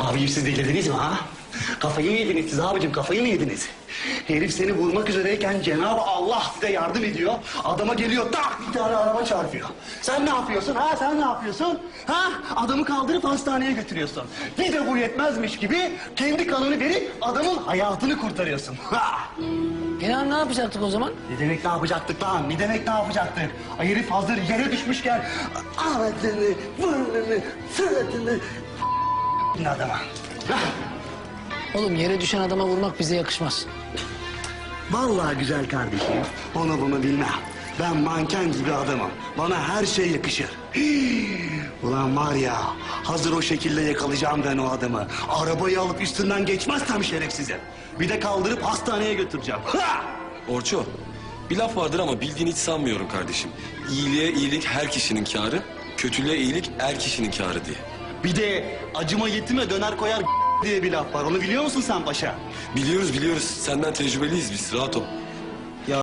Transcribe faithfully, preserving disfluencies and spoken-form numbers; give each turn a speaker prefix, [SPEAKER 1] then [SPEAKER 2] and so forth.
[SPEAKER 1] Abicim siz delirdiniz mi ha? Kafayı mı yediniz siz abicim, kafayı mı yediniz? Herif seni vurmak üzereyken Cenab-ı Allah size yardım ediyor. Adama geliyor tak bir tane araba çarpıyor. Sen ne yapıyorsun ha, sen ne yapıyorsun? Ha? Adamı kaldırıp hastaneye götürüyorsun. Bir de bu yetmezmiş gibi kendi kanını verip adamın hayatını kurtarıyorsun. Ha!
[SPEAKER 2] İnan ne yapacaktık o zaman?
[SPEAKER 1] Ne demek ne yapacaktık lan? Ne demek ne yapacaktık? Ay herif hazır yere düşmüşken ağzını, burnunu, suratını adama. Hah!
[SPEAKER 2] Oğlum yere düşen adama vurmak bize yakışmaz.
[SPEAKER 1] Vallahi güzel kardeşim, onu bunu bilmem. Ben manken gibi adamım. Bana her şey yakışır. Hii! Ulan var ya, hazır o şekilde yakalayacağım ben o adamı. Arabayı alıp üstünden geçmezsem şerefsizim. Bir de kaldırıp hastaneye götüreceğim. Ha!
[SPEAKER 3] Orço, bir laf vardır ama bildiğini hiç sanmıyorum kardeşim. İyiliğe iyilik her kişinin kârı, kötülüğe iyilik er kişinin kârı diye.
[SPEAKER 1] Bir de acıma yetime döner koyar diye bir laf var. Onu biliyor musun sen paşa?
[SPEAKER 3] Biliyoruz biliyoruz, senden tecrübeliyiz biz, rahat ol.